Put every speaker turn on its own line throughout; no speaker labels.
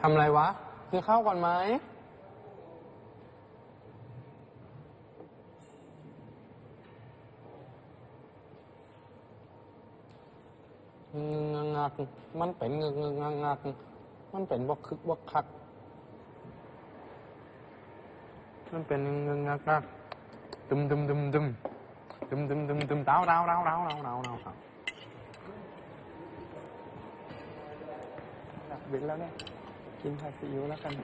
ทำอะไรวะกินข้าวก่อนไหมงักมันเป็นงักมันเป็นบกคึกบกคักมันเป็นงักตึมเต้าอยากบินแล้วเนี่ยกินผัดซีอิ๊วแล้วกัน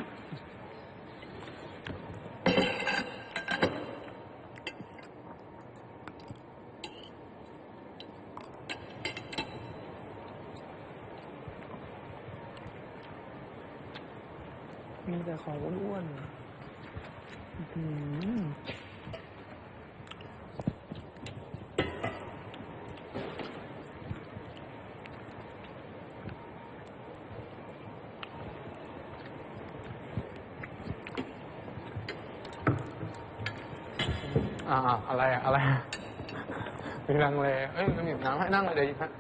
มีแต่ของอ้วนอะไรมีลังเลมันหยิบน้ำให้นั่งเลยเดี๋ยวหยิบฮะ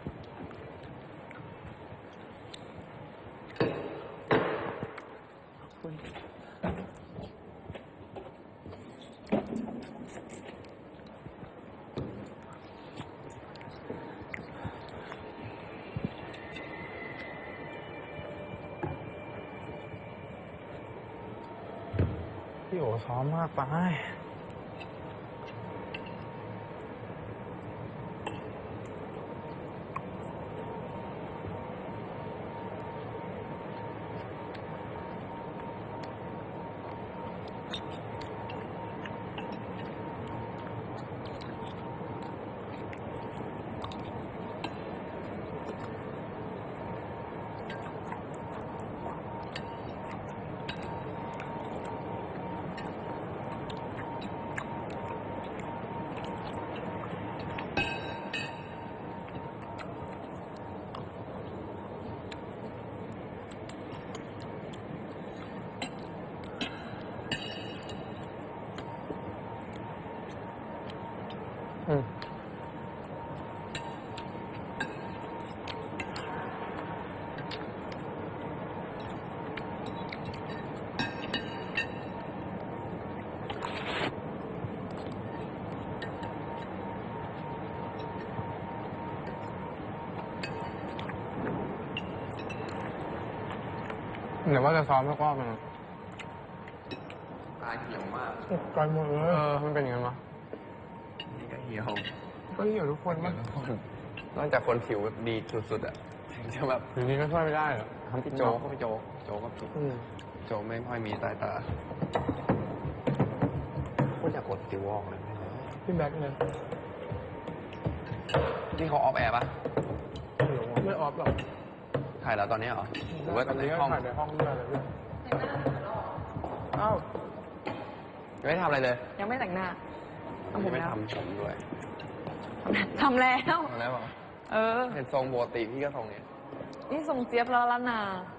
พี่โอซ้อมมากไปเดี๋ยวว่าจะซ้อมแล้วก็มัน
ตาเหี่ยวมาก
กายหมดเลยมันเป็นยังไงวะ
นี่ก็เหี่ยว
ทุกคนมั้ง
นอกจากคนผิวดีสุดๆอ่ะถึงจะแบบ
อย่างนี้ก็ช่วยไม่ได้หรอ
ทำพี่โจก็พี่โจก็ผิดโจไม่ค่อยมีสายตาพูดอยากกดติวออกเลย
พี่แบ็คเลย
ที่เขาออฟแอร์ปะ
ไม่ออฟหรอก
ถ่ายแล้วตอนนี้เหรอหรือว่าในห้อง
ถ่ายในห้องด้วยอะไรด้วยอ้าว
ยังไม่ทำอะไรเลย
ยังไม่แต่งหน้า
ยังไม่ทำผมด้วย
ทำแล้ว
เหรอเห็นทรงปกติพี่ก็ทรงเนี้ย
นี่ทรงเจี๊ยบแล้วละนา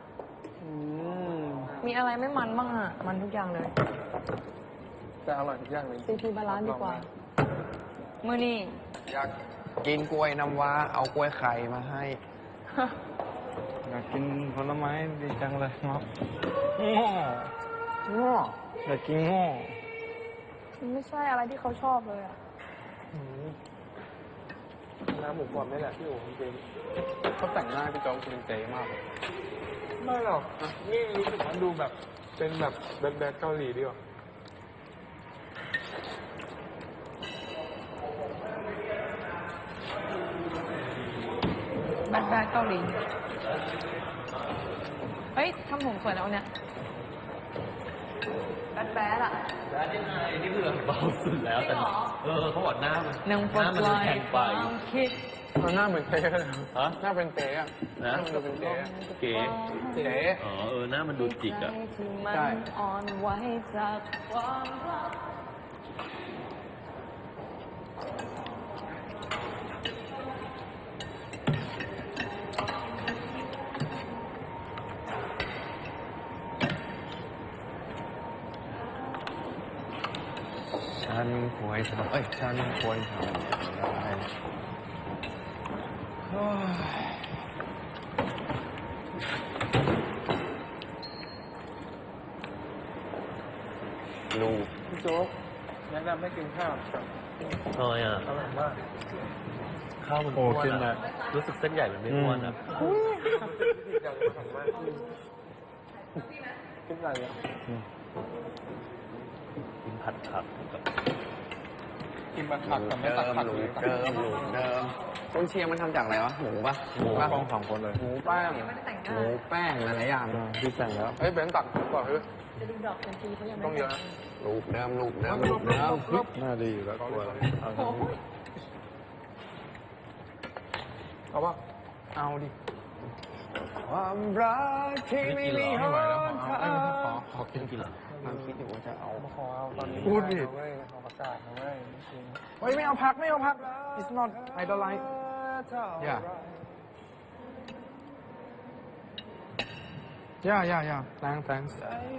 มีอะไรไม่มันบ้างอ่ะมันทุกอย่างเลย
แต่อร่อยทุกอย่างเลย
ซีบาลานซ์ดีกว่ามื้อนี้
อยากกินกล้วยน้ำว้าเอากล้วยไข่มาให้
อยากกินผลไม้ดีจังเลยเนาะง้ออยากกินง้อ
มันไม่ใช่อะไรที่เขาชอบเลยอ่ะ
น้ำหมูกรอบนี่แหละพี่โอ๋จริงเขาแต่งหน้าพี่โจ๊กคุณเจ๋มากเลยไม่หรอกนี่รู้สึกว่าดูแบบเป็นแบบแบดเกาหลีดีกว่า
แบดเกาหลีเฮ้ยทำผมสวยแล้วเนี่ยแบดอ่ะ
แบดยังไงนี่คือเบาสุดแล้วแต่เขาบอกหน้ามัน
แข็งไป
หน้าเหมือนเต้เลยหน้าเป็นเต้อะ
นะ
ดูเป็นเต้
เก๋หน้ามันดูจิกอ่ะ
ใช่
อ่อนไหวจากความรัก
ฉันควรทำฉันควรทำอะไร
โจ๊กแนะนำให้กินข้าว
ทำไมอ่ะ
อร่อยมาก
ข้าวมัน
โอ้
อ้วน
กิน
อ่ะ
นะ
รู้สึกเส้นใหญ่มันไม่อ้วนอ่ะ
กินอะไรอ่ะ
กินผัดผักกับ
กินบัตรผักแต่ไม่ตัดผักเลย
เดิมต้นเชียงมันทำจากอะไรวะหมูปะ
หมูป้องสองคนเลยหมูแป้ง
หมูแป้งหลายๆอย่าง
ที่แต่งแล้วเฮ้ยเบนตักก่อนเฮ้ย
จะดูดอกกันทีเขายังไม่
ต้องเยอะนะ
ลูกเดิม
น่าดีอยู่แล้วกลัวเอาป่ะเอาดิ
ความรักที่ไม่มี
ไม่ไหวแล้วขอกิน
กินเหรอ
ความคิดอยู่ว่าจะเอา
ขอเอาตอนนี้
พูดดิ
เว้ยขอประกาศนะเว้ยจริง
เฮ้ยไม่เอาพักไม่เอาพัก it's not I don't like yeah yeah thanks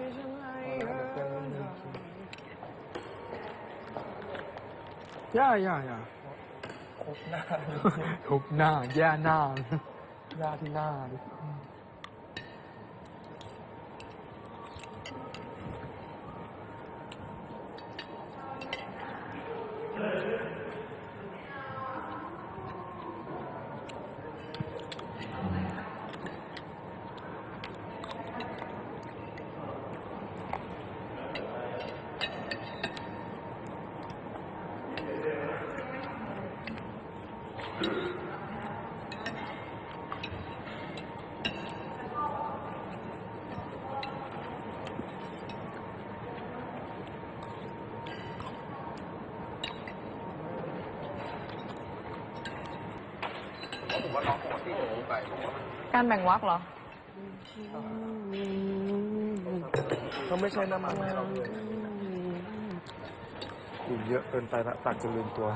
ย่าทุบหน้าแย่หน้าย่าที่หน้าดิผมว่าน้องปกติหนูไป
การแบ่งวรรคเหรอ
เขาไม่ใช่น้ำมันให้เราเลยกินเยอะเกินไปละตักจนลืมตัว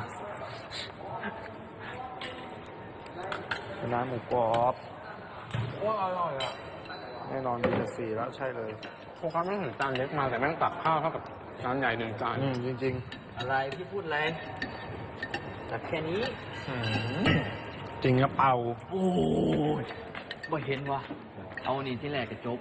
น้ำหมูกรอบ
ว่าอร่อยอ่ะ
แน่นอนมีแต่สีแล้วใช่เลย
โฟกัสไม่เห็นจานเล็กมาแต่แม่งตักข้าวเท่ากับจานใหญ่หนึ่งจาน
จริง
อะไรพี่พูดอะไรแต่แค่นี้
ๆ จริงกระเป๋า
โอ้ยบ่เห็นวะเอานี่ที่แรกกระจบ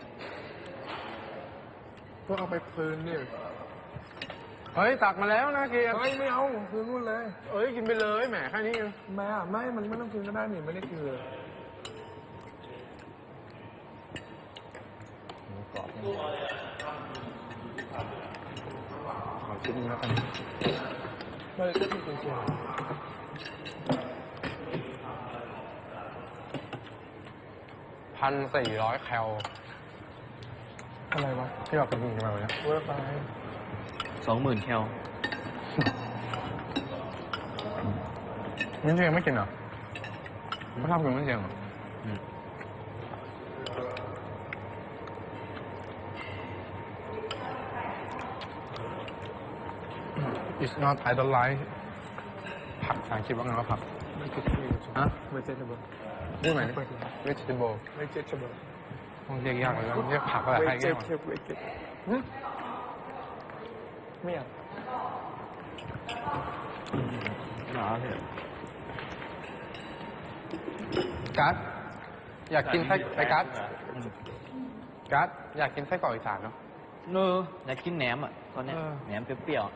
ก็เอาไปคืนดิเฮ้ยตักมาแล้วนะเกียร์
เฮ้ยไม่เอาคืนนู่นเลย
เอ้ยกินไปเลยแหมแค่นี้เอง
ไม่อ่ะไม่มันไม่ต้องคืนก็ได้นี่ไม่ได้คืนเลย
หมูกรอบ
ขอชิ้นนึงแล้วกันไม่ได้ก็คือเชียง
1,400 แคล
อะไรวะ
ที่เราไปกินกันมาวันนี้
เวอร์ไป
20,000 แคล
มิ้นเชียงไม่กินเหรอไม่ชอบกินมิ้นเชียงเหรอ It's not I don't like ผักภาษาอังกฤษว่าไงว่าผัก
ไม่คิดที่
ฮะ
ไม่เจ็ดเบอร์
พูดใหม่ดิ vegetable
ไม่เจ็ดเบอร์
ต้องเรียกยากเลยเรียกผักอะไร
ไม่
ให้
เจ็
แก้
ด
ว
เทปไม่เจ็ดไม่อยาก
หนาเถอะ
กัสอยากกินไส้ไอ้กัสกัสอยากกินไส้กรอกอีสานเนาะ
อยากกินแหนมอ่ะตอนเนี้ย
เออ
แหนมเปรี้ยว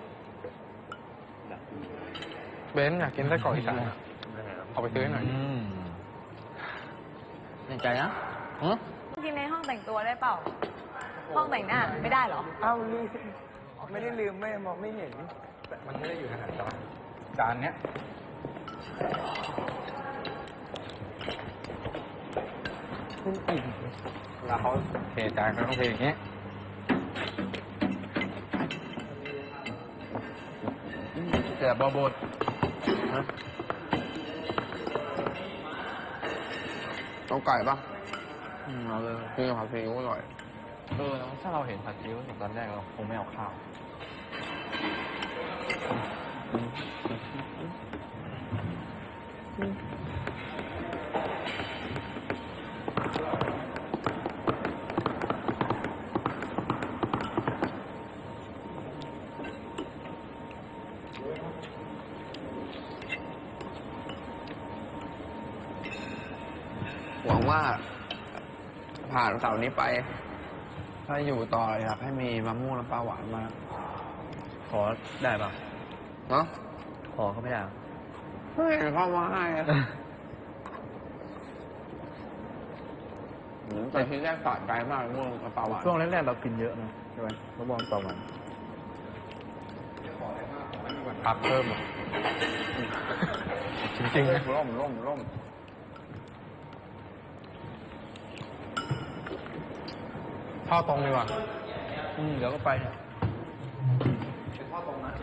เบนซ์อยากกินไส้กรอกอีสานอะเอาไปซื้อให้หน่อย
แน่ใจนะฮะ
กินในห้องแต่งตัวได้เปล่า ห้องแต่งหน้าไม่ได้เหรอ
อ้าวลืมไม่ได้ลืมไม่มองไม่เห็น
แต่มันไม่ได้อยู่ขนาดจานเนี้ยแล้วเขาเทจานเขาต้องเทอย่างเงี้ยแต่บอบดต้องไก่ปะ
เอาเลย
นี่ผัดซีอิ๊วอร่อย
แล้วถ้าเราเห็นผัดซีอิ๊วตอนแรกเราคงไม่เอาข้าว
หวังว่าผ่านเสาร์นี้ไป ถ้าอยู่ต่ออยากให้มีมะม่วงน้ำปลาหวานมาก
ข
ขอได้ป่ะ
เนาะ
ขอเขาไม่ได้เหรอ
ไม่เห็นเข้ามาให้อะแต่ที่แรกสะใจมากม่วงกระเป๋าหวาน
ช่วงแรกๆเรากินเยอะนะใช่ไหมมะม่วงต่อวัน
พักเพิ่มอ่ะจริงๆนะ
ร่ม
ท่อตรงดีกว่า
เดี๋ยวก็ไปเนี่ย
ข้อตรงนะ